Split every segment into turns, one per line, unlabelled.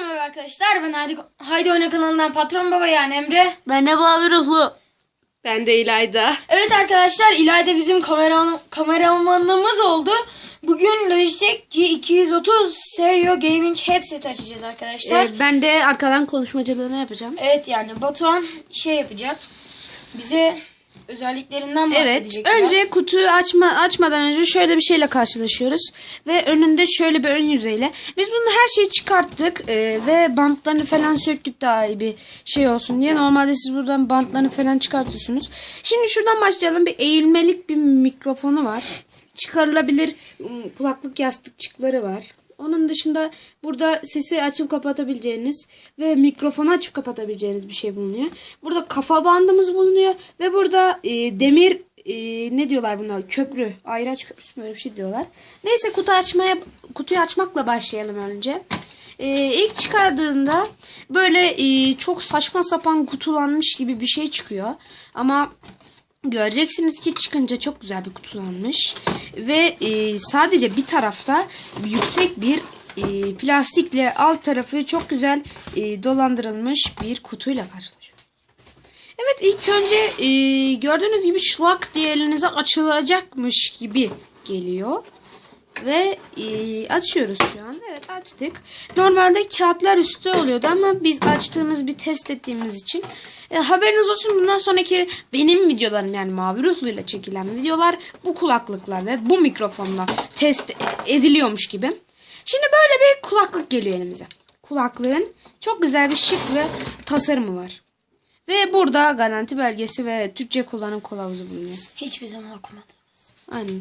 merhaba arkadaşlar. Ben Haydi Oyna kanalından Patron Baba yani Emre.
Ben de Mavi Ruhlu.
Ben de İlayda.
Evet arkadaşlar, İlayda bizim kameramanımız oldu. Bugün Logitech G230 Stereo Gaming Headset açacağız arkadaşlar.
Ben de arkadan konuşmacılığını yapacağım.
Evet, yani Batuhan yapacak. Bize özelliklerinden bahsedecek.
Evet. Önce kutuyu açmadan önce şöyle bir şeyle karşılaşıyoruz. Ve önünde şöyle bir ön yüzeyle. Biz bunu her şeyi çıkarttık. Ve bantlarını falan söktük daha iyi bir şey olsun diye. Normalde siz buradan bantlarını falan çıkartıyorsunuz. Şimdi şuradan başlayalım. Bir eğilmelik bir mikrofonu var. Çıkarılabilir kulaklık yastıkçıkları var. Onun dışında burada sesi açıp kapatabileceğiniz ve mikrofonu açıp kapatabileceğiniz bir şey bulunuyor. Burada kafa bandımız bulunuyor ve burada demir ne diyorlar buna? Köprü, ayraç köprüsü böyle bir şey diyorlar. Neyse kutuyu açmakla başlayalım önce. İlk çıkardığında böyle çok saçma sapan kutulanmış gibi bir şey çıkıyor. Ama göreceksiniz ki çıkınca çok güzel bir kutulanmış. Ve sadece bir tarafta yüksek bir plastikle alt tarafı çok güzel dolandırılmış bir kutuyla karşılaşıyoruz. Evet, ilk önce gördüğünüz gibi şlak diye elinize açılacakmış gibi geliyor. Ve açıyoruz şu an. Evet, açtık. Normalde kağıtlar üstte oluyordu ama biz açtığımız bir test ettiğimiz için haberiniz olsun, bundan sonraki benim videolarım yani Mavi Ruhlu ile çekilen videolar bu kulaklıklar ve bu mikrofonla test ediliyormuş gibi. Şimdi böyle bir kulaklık geliyor elimize. Kulaklığın çok güzel bir şık ve tasarımı var. Ve burada garanti belgesi ve Türkçe kullanım kılavuzu bulunuyor.
Hiçbir zaman okumadığımız.
Aynen.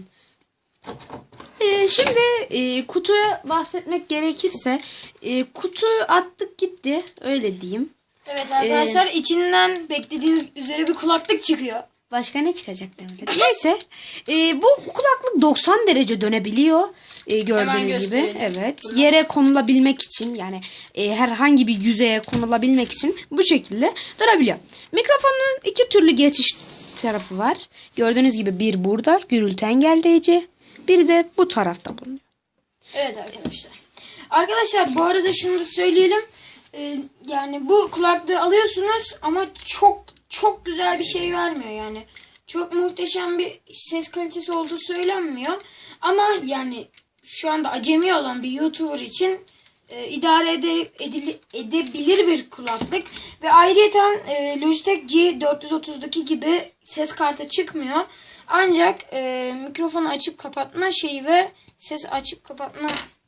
Şimdi kutuya bahsetmek gerekirse kutuyu attık gitti, öyle diyeyim.
Evet arkadaşlar, içinden beklediğiniz üzere bir kulaklık çıkıyor.
Başka ne çıkacak demek. Neyse, bu kulaklık 90 derece dönebiliyor gördüğünüz gibi. Evet, yere konulabilmek için yani herhangi bir yüzeye konulabilmek için bu şekilde durabiliyor. Mikrofonun iki türlü geçiş tarafı var. Gördüğünüz gibi bir burada gürültü engelleyici. Biri de bu tarafta bulunuyor.
Evet arkadaşlar. Arkadaşlar bu arada şunu da söyleyelim. Yani bu kulaklığı alıyorsunuz ama çok güzel bir şey vermiyor yani. Çok muhteşem bir ses kalitesi olduğu söylenmiyor. Ama yani şu anda acemi olan bir YouTuber için idare edebilir bir kulaklık. Ve ayrıyeten Logitech G430'daki gibi ses kartı çıkmıyor. Ancak mikrofonu açıp kapatma şeyi ve ses açıp kapatma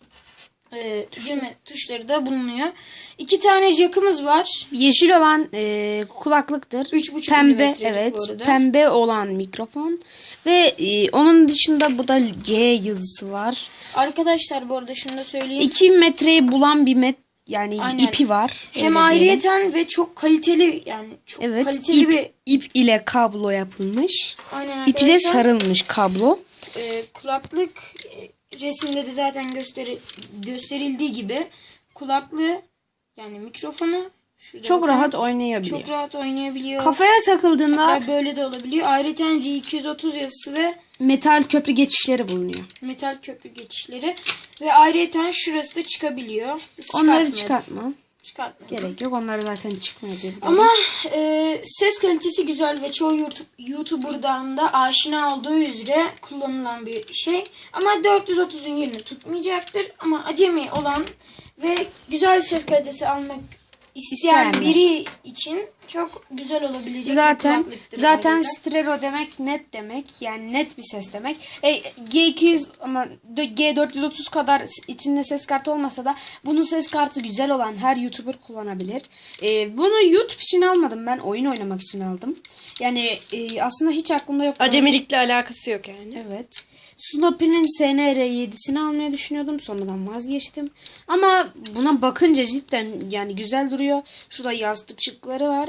tuşları da bulunuyor. 2 tane jackımız var.
Yeşil olan kulaklıktır.
3,5
pembe,
milimetrelik
evet,
bu arada.
pembe olan mikrofon ve onun dışında burada G yazısı var.
Arkadaşlar bu arada şunu da söyleyeyim.
2 metreyi bulan bir yani
aynen,
ipi var.
Hem ayrıyeten ve çok kaliteli yani çok kaliteli bir
ip ile kablo yapılmış.
aynen
İp ile sarılmış kablo.
Kulaklık resimde de zaten gösterildiği gibi kulaklığı yani mikrofonu
çok rahat oynayabiliyor.
Çok rahat oynayabiliyor.
Kafaya takıldığında
hatta böyle de olabiliyor. Ayrıca G230 yazısı ve
metal köprü geçişleri bulunuyor.
Metal köprü geçişleri ve ayrıca şurası da çıkabiliyor.
Onları çıkartma gerek yok. Onları zaten çıkmıyor diye.
Ama ses kalitesi güzel ve çoğu YouTuber'dan da aşina olduğu üzere kullanılan bir şey. Ama 430'un yerini tutmayacaktır. Ama acemi olan ve güzel ses kalitesi almak isteyen biri için çok güzel olabilecek bir kulaklıktır.
Zaten stereo demek net demek. Yani net bir ses demek. G200 ama G430 kadar içinde ses kartı olmasa da bunun ses kartı güzel olan her YouTuber kullanabilir. Bunu YouTube için almadım, ben oyun oynamak için aldım. Yani aslında hiç aklımda yok. Acemilikle alakası yok yani. Evet. Snoopy'nin SNR7'sini almayı düşünüyordum. Sonradan vazgeçtim. Ama buna bakınca cidden yani güzel duruyor. Şurada yastıkçıkları var.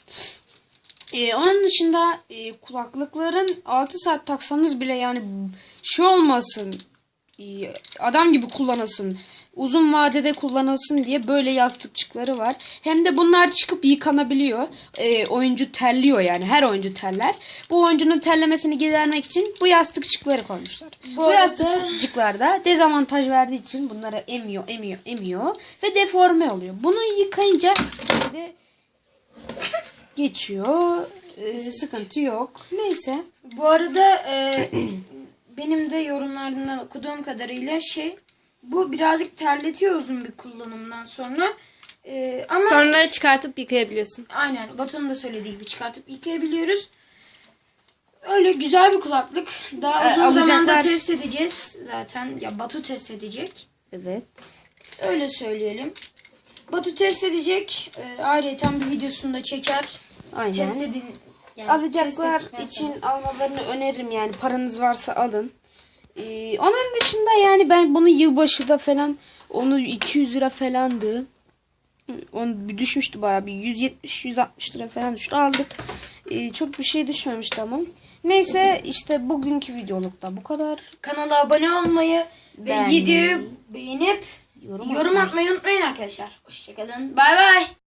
Onun dışında kulaklıkların 6 saat taksanız bile yani şey olmasın, adam gibi kullanasın, uzun vadede kullanılsın diye böyle yastıkçıkları var. Hem de bunlar çıkıp yıkanabiliyor. Oyuncu terliyor yani. Her oyuncu terler. Bu oyuncunun terlemesini gidermek için bu yastıkçıkları koymuşlar. Bu
arada-
yastıkçıklarda dezavantaj verdiği için bunları emiyor ve deforme oluyor. Bunu yıkayınca de geçiyor. Sıkıntı yok. Neyse.
Bu arada benim de yorumlardan okuduğum kadarıyla bu birazcık terletiyor uzun bir kullanımdan sonra. Ama
Sonra çıkartıp yıkayabiliyorsun.
aynen Batu'nun da söylediği gibi çıkartıp yıkayabiliyoruz. Öyle güzel bir kulaklık. Daha uzun
alacaklar.
zamanda test edeceğiz zaten. Ya Batu test edecek.
Evet.
Öyle söyleyelim. Batu test edecek. Ayrıca bir videosunu da çeker.
Aynen.
Test edin. Yani
Alacaklar
test ettikten
için
sonra.
almalarını öneririm yani. Paranız varsa alın. Onun dışında yani ben bunu yılbaşı da falan onu 200 lira falandı. Onu bir düşmüştü bayağı bir 170-160 lira falan düştü. Aldık. Çok bir şey düşmemişti ama. Neyse işte bugünkü videolukta bu kadar.
Kanala abone olmayı ve
Beğenmeyi,
videoyu beğenip
yorum
yorum atmayı unutmayın arkadaşlar. Hoşçakalın. Bay bay.